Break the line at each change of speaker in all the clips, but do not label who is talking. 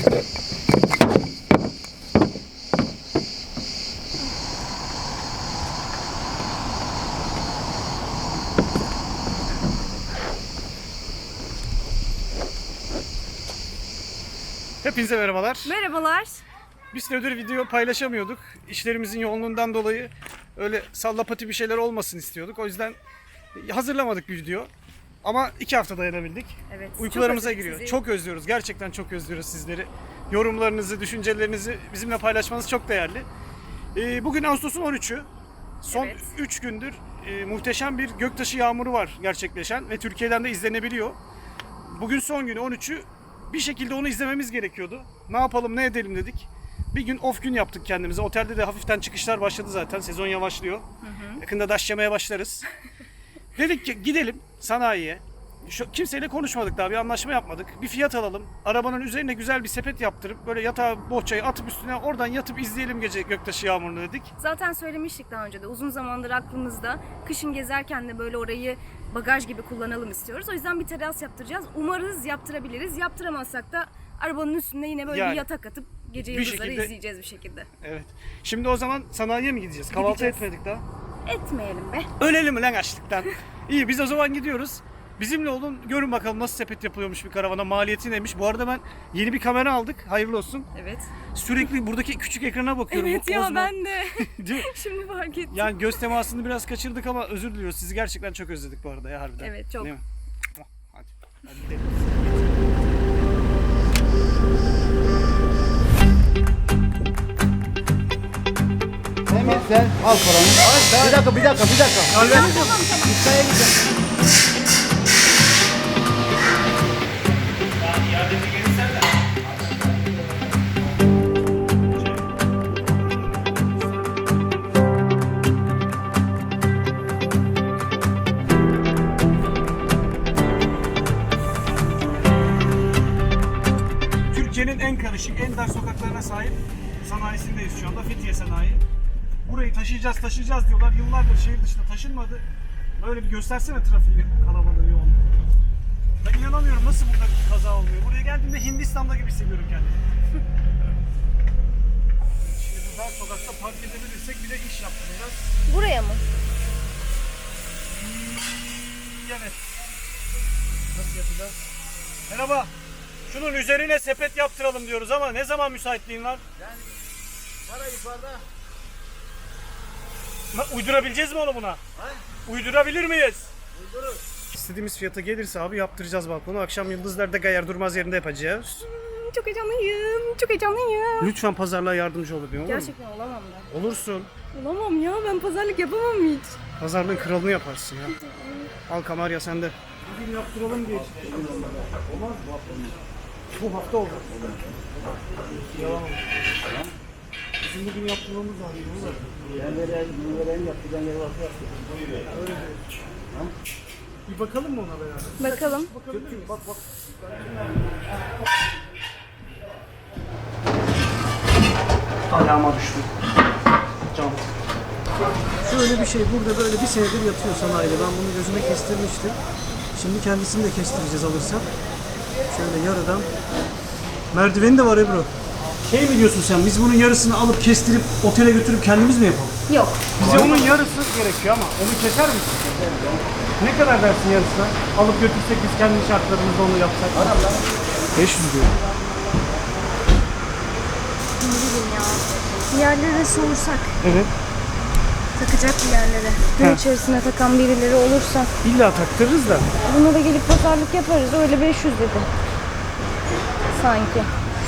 Hepinize merhabalar.
Merhabalar.
Bir süredir video paylaşamıyorduk. İşlerimizin yoğunluğundan dolayı öyle sallapati bir şeyler olmasın istiyorduk. O yüzden hazırlamadık bir video. Ama 2 hafta dayanabildik.
Evet.
Uykularımıza giriyor. Çok özlüyoruz. Gerçekten çok özlüyoruz sizleri. Yorumlarınızı, düşüncelerinizi bizimle paylaşmanız çok değerli. Bugün Ağustos'un 13'ü. Son 3 gündür muhteşem bir göktaşı yağmuru var gerçekleşen ve Türkiye'den de izlenebiliyor. Bugün son günü 13'ü. Bir şekilde onu izlememiz gerekiyordu. Ne yapalım, ne edelim dedik. Bir gün off gün yaptık kendimize. Otelde de hafiften çıkışlar başladı zaten. Sezon yavaşlıyor. Yakında daş yemeye başlarız. Dedik ki gidelim sanayiye. Kimseyle konuşmadık daha, bir anlaşma yapmadık. Bir fiyat alalım. Arabanın üzerine güzel bir sepet yaptırıp böyle yatağa bohçayı atıp üstüne oradan yatıp izleyelim gece göktaşı yağmurunu dedik.
Zaten söylemiştik daha önce de, uzun zamandır aklımızda. Kışın gezerken de böyle orayı bagaj gibi kullanalım istiyoruz. O yüzden bir teras yaptıracağız. Umarız yaptırabiliriz. Yaptıramazsak da arabanın üstünde yine böyle bir yatak atıp gece yıldızları izleyeceğiz bir şekilde.
Evet. Şimdi o zaman sanayiye mi gideceğiz? Kahvaltı etmedik daha.
Etmeyelim be.
Ölelim mi lan açlıktan? İyi, biz o zaman gidiyoruz. Bizimle olun, görün bakalım nasıl sepet yapılıyormuş bir karavana, maliyeti neymiş. Bu arada ben yeni bir kamera aldık, hayırlı olsun.
Evet.
Sürekli buradaki küçük ekrana bakıyorum.
Evet ya, ben de. Şimdi fark ettim.
Yani göz temasını biraz kaçırdık ama özür diliyoruz. Sizi gerçekten çok özledik bu arada ya, harbiden.
Evet, çok.
Değil mi? Hadi gidelim.
Emir sen al paranı. Bir dakika.
Tamam.
İstaya gideceğim.
Türkiye'nin en karışık, en dar sokaklarına sahip sanayisindeyiz şu anda. Fethiye Sanayi. Burayı taşıyacağız diyorlar. Yıllardır şehir dışına taşınmadı. Böyle bir göstersene trafiği, kalabalığı, yoğunluğu. Ben inanamıyorum nasıl burada kaza olmuyor. Buraya geldiğimde Hindistan'da gibi hissediyorum kendimi. Şimdi bu dar sokakta park edebilirsek bir de iş yaptıracağız.
Buraya mı?
Evet. Nasıl yapacağız? Merhaba. Şunun üzerine sepet yaptıralım diyoruz ama ne zaman müsaitliğin var?
Yani para yukarıda.
Uydurabileceğiz mi onu buna?
Ha?
Uydurabilir miyiz?
Uydurur.
İstediğimiz fiyata gelirse abi yaptıracağız balkonu. Akşam Yıldızlar'da Gayar Durmaz yerinde yapacağız.
Çok heyecanlıyım. Çok heyecanlıyım.
Lütfen pazarlığa yardımcı ol bebeğim, olur mu?
Gerçekten olamam ben.
Olursun.
Olamam ya, ben pazarlık yapamam hiç.
Pazarlığın kralını yaparsın ya. Al Kamarya sende. Bugün yaptıralım diye. Olmaz mı? Bu hafta olur. Yalan olur. Bizim bugün yaptırmamız lazım.
Ben vereyim yapacağım yeri varsa yaptım.
Bir bakalım mı ona beraber?
Bakalım.
Bak. Ayağıma düştü. Cam. Şöyle bir şey burada böyle bir senedir yatıyor sanayide. Ben bunu gözüme kestirmiştim. Şimdi kendisini de kestireceğiz alırsak. Şöyle yarıdan. Merdiveni de var Ebru. Şey mi diyorsun sen? Biz bunun yarısını alıp kestirip otele götürüp kendimiz mi yapalım?
Yok.
Bize onun yarısı gerekiyor ama onu keser misin? Ne kadar dersin yarısına? Alıp götürsek biz kendi şartlarımızda onu yapsak. 500 diyor.
Ne bileyim ya. Bir yerlere sorsak.
Evet.
Takacak bir yerlere. Gün içerisine takan birileri olursa.
İlla taktırırız da.
Buna da gelip pazarlık yaparız. Öyle 500 dedi. Sanki.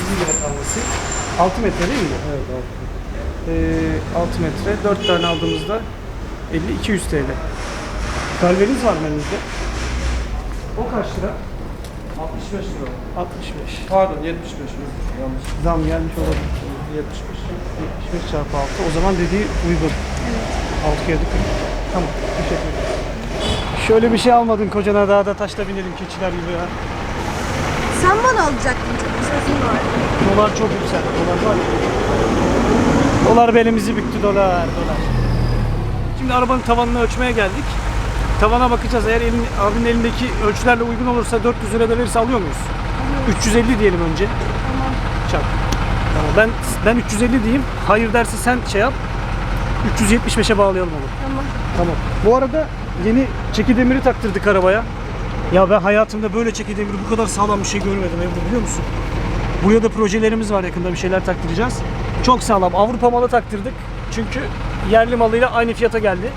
6 metre değil mi? Evet 6 metre. 4 tane aldığımızda 50-200 TL. Kalveriniz var mı elinizde? O kaç lira?
65 lira.
65.
Pardon 75 lira. Yanlış.
Zam gelmiş olabilir.
75.
75 çarpı 6. O zaman dediği uygun. Evet. 6 kere 40. Tamam. Teşekkür ederim. Şöyle bir şey almadın kocana, dağda taşla binelim keçiler gibi ya.
Sen bana alacaktın, çok sözün var.
Dolar çok yükseldi. Dolar var ya. Dolar belimizi büktü, dolar. Şimdi arabanın tavanını ölçmeye geldik. Tavana bakacağız. Eğer abinin elindeki ölçülerle uygun olursa 400 lira da verirse alıyor muyuz? 350 diyelim önce.
Tamam.
çarp. Tamam, ben 350 diyeyim. Hayır derse sen şey yap. 375'e bağlayalım onu.
Tamam.
Tamam. Bu arada yeni çeki demiri taktırdık arabaya. Ya ben hayatımda böyle çeki demiri bu kadar sağlam bir şey görmedim Ebru, biliyor musun? Buraya da projelerimiz var, yakında bir şeyler taktıracağız. Çok sağlam. Avrupa malı taktırdık. Çünkü yerli malıyla aynı fiyata geldi.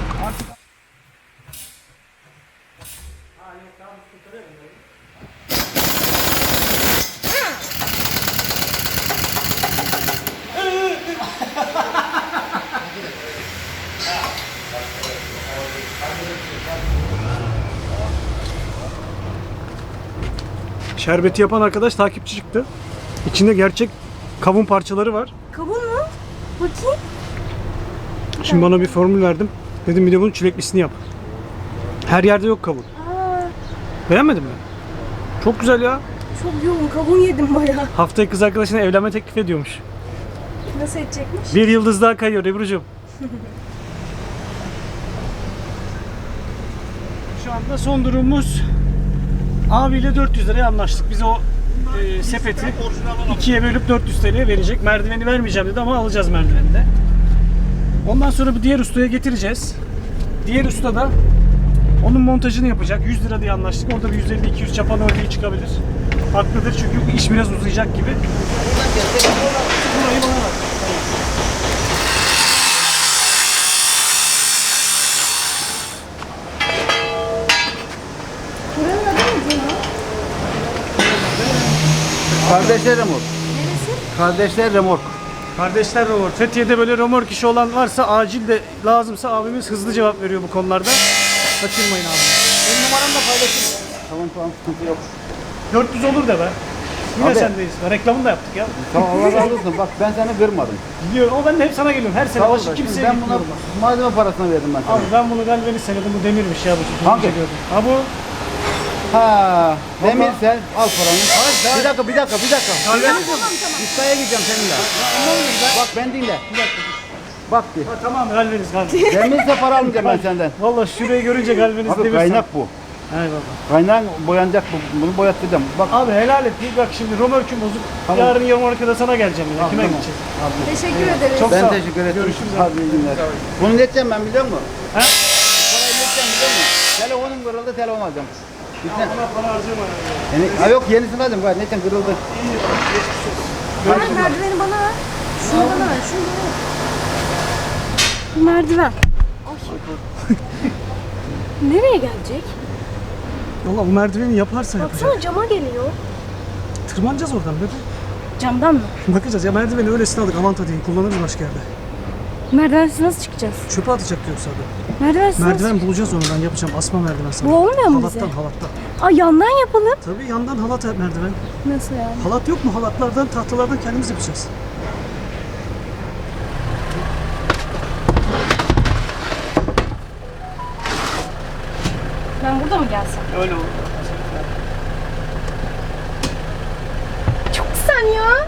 Şerbeti yapan arkadaş takipçi çıktı. İçinde gerçek kavun parçaları var.
Kavun mu? Bakayım.
Şimdi bana bir formül verdim. Dedim bir de bunun çileklisini yap. Her yerde yok kavun. Beğenmedin mi? Çok güzel ya.
Çok yoğun kavun yedim bayağı.
Haftaya kız arkadaşına evlenme teklif ediyormuş.
Nasıl edecekmiş?
Bir yıldız daha kayıyor Ebru'cum. Şu anda son durumumuz, abiyle 400 liraya anlaştık. Biz o sepeti ikiye bölüp 400 TL'ye verecek. Merdiveni vermeyeceğim dedi ama alacağız merdiveni de. Ondan sonra bir diğer ustaya getireceğiz. Diğer usta da onun montajını yapacak. 100 lira diye anlaştık. Orada bir 150-200 çapan örneği çıkabilir. Haklıdır çünkü bu iş biraz uzayacak gibi. Burayı bana bak.
Buranın adı ne ya?
Kardeşler remork.
Neresi?
Kardeşler remork.
Kardeşler remork. Fethiye'de böyle remork işi olan varsa, acil de lazımsa abimiz hızlı cevap veriyor bu konularda. Kaçırmayın abi.
Benim numaramla paylaşırım. Tamam sıkıntı yok.
400 olur da be. Yine
Abi.
sendeyiz. Reklamını da yaptık ya.
Tamam Allah razı olsun. Bak ben seni kırmadım.
Biliyorum ama ben de hep sana geliyorum. Her sene
Sağ ol
başı
da,
kimseye
şimdi ben buna
gitmiyorum.
malzeme parasını verdim ben sana.
Abi ben bunu galvaniz senedim. Bu demirmiş ya bu. Çok
Hangi?
şey gördüm. Ha bu.
Ha, demirse al paranı. Bir dakika. Ustaya gideceğim seninle. Bak ben dinle. Bak bir.
Ha, tamam galvaniz galvaniz.
Demirse para almayacağım ben senden.
Valla şurayı görünce galvaniz
Abi
demirsen.
kaynak bu.
Eyvallah.
Kaynağın boyanacak bu. Bunu boyattıracağım. Bak.
Abi helal et. Bak şimdi römorküm bozuk.
Tamam.
Yarın yarın sana geleceğim yine. Kime
Tamam.
gideceğiz?
Teşekkür ederiz.
Çok
Ben
sağ ol.
teşekkür ederim.
Görüşürüz abi.
Hadi iyi günler. Bunu ne edeceğim ben biliyor musun?
He?
Parayı ne edeceğim biliyor musun? Telefonum kırıldı, telefon alacağım. Gitsen.
Buna para harcama ya.
Yani, ha yok yenisini alacağım gayet. Neden kırıldı?
Bana merdiveni bana ver. Şunu bana ver. Şunu bana ver. Merdiven. Ay. Nereye gelecek?
Valla bu merdiveni yaparsa yapacak.
Baksana cama geliyor.
Tırmanacağız oradan bebe.
Camdan mı?
Bakacağız ya, merdiveni öylesine aldık, Avanta değil, kullanırız başka yerde.
Merdivensiz nasıl çıkacağız?
Çöpe atacak yoksa adam.
Merdivensiz nasıl?
Merdiven bulacağız onu, ben yapacağım, asma merdiven sana.
Bu olmuyor mu bize?
Halattan.
Aa yandan yapalım.
Tabii yandan halat merdiven.
Nasıl yani?
Halat yok mu? Halatlardan, tahtalardan kendimiz yapacağız.
Ben burada mı gelsem?
Öyle olur.
Çok güzel ya.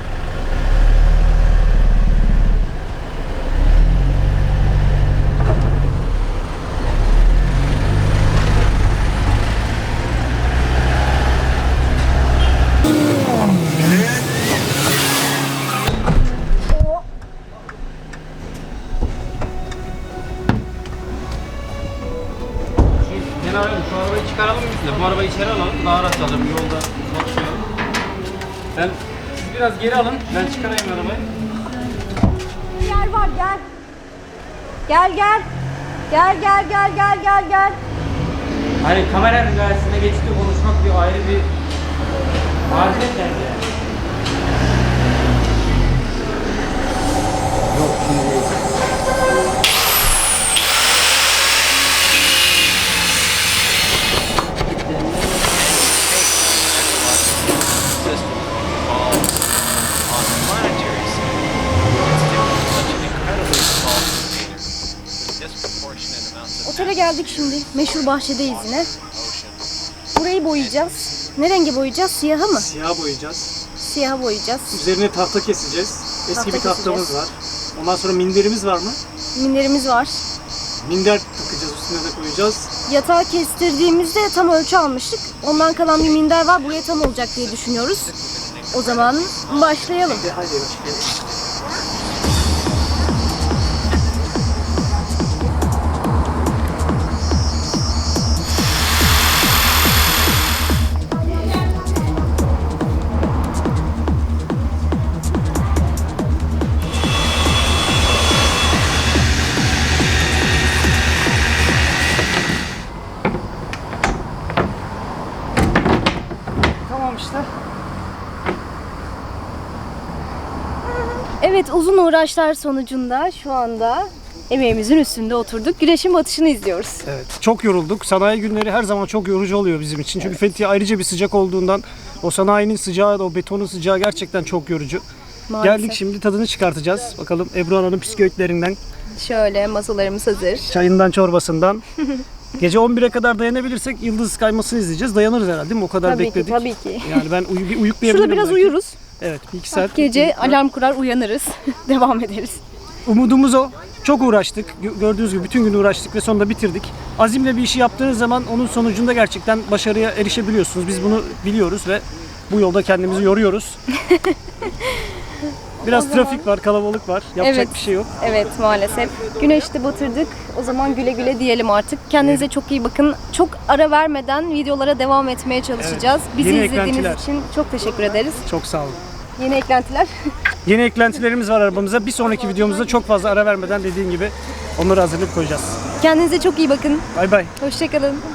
Şu arabayı çıkaralım biz de. Bu arabayı içeri alalım. Daha rahat alırım. Yolda çalışıyor. Siz biraz geri alın. Ben çıkarayım arabayı.
Yer var gel. Gel. Gel.
Hani kameranın karşısında geçti konuşmak bir ayrı bir marifet yani.
Otele geldik şimdi. Meşhur bahçedeyiz yine. Burayı boyayacağız. Ne rengi boyayacağız? Siyahı mı?
Siyah boyayacağız.
Siyahı boyayacağız.
Üzerine tahta keseceğiz. Eski
Tahta
bir tahtamız
keseceğiz.
var. Ondan sonra minderimiz var mı?
Minderimiz var.
Minder takacağız, üstüne de koyacağız.
Yatağı kestirdiğimizde tam ölçü almıştık. Ondan kalan bir minder var. Buraya tam olacak diye düşünüyoruz. O zaman başlayalım.
Tamam işte.
Evet, uzun uğraşlar sonucunda şu anda emeğimizin üstünde oturduk. Güneşin batışını izliyoruz.
Evet. Çok yorulduk. Sanayi günleri her zaman çok yorucu oluyor bizim için. Çünkü Fethiye ayrıca bir sıcak olduğundan o sanayinin sıcağı, o betonun sıcağı gerçekten çok yorucu.
Maalesef.
Geldik şimdi tadını çıkartacağız. Bakalım Ebru Ana'nın bisküvitlerinden,
Şöyle masalarımız hazır.
çayından, çorbasından. Gece 11'e kadar dayanabilirsek yıldız kaymasını izleyeceğiz. Dayanırız herhalde değil mi? O kadar
Tabii
bekledik.
ki, tabii ki.
Yani ben bir uyuklayabilirim.
Şurada biraz
belki.
uyuruz.
Evet, bir iki saat.
Gece alarm kurar uyanırız. Devam ederiz.
Umudumuz o. Çok uğraştık. Gördüğünüz gibi bütün gün uğraştık ve sonunda bitirdik. Azimle bir işi yaptığınız zaman onun sonucunda gerçekten başarıya erişebiliyorsunuz. Biz bunu biliyoruz ve bu yolda kendimizi yoruyoruz. Biraz trafik var, kalabalık var. Yapacak
Evet.
bir şey yok.
Evet, maalesef. Güneşte batırdık. O zaman güle güle diyelim artık. Kendinize çok iyi bakın. Çok ara vermeden videolara devam etmeye çalışacağız. Bizi
Yeni
izlediğiniz
eklentiler.
için çok teşekkür ederiz.
Çok sağ olun.
Yeni eklentiler.
Yeni eklentilerimiz var arabamıza. Bir sonraki videomuzda çok fazla ara vermeden dediğin gibi onları hazırlayıp koyacağız.
Kendinize çok iyi bakın.
Bay bay.
Hoşçakalın.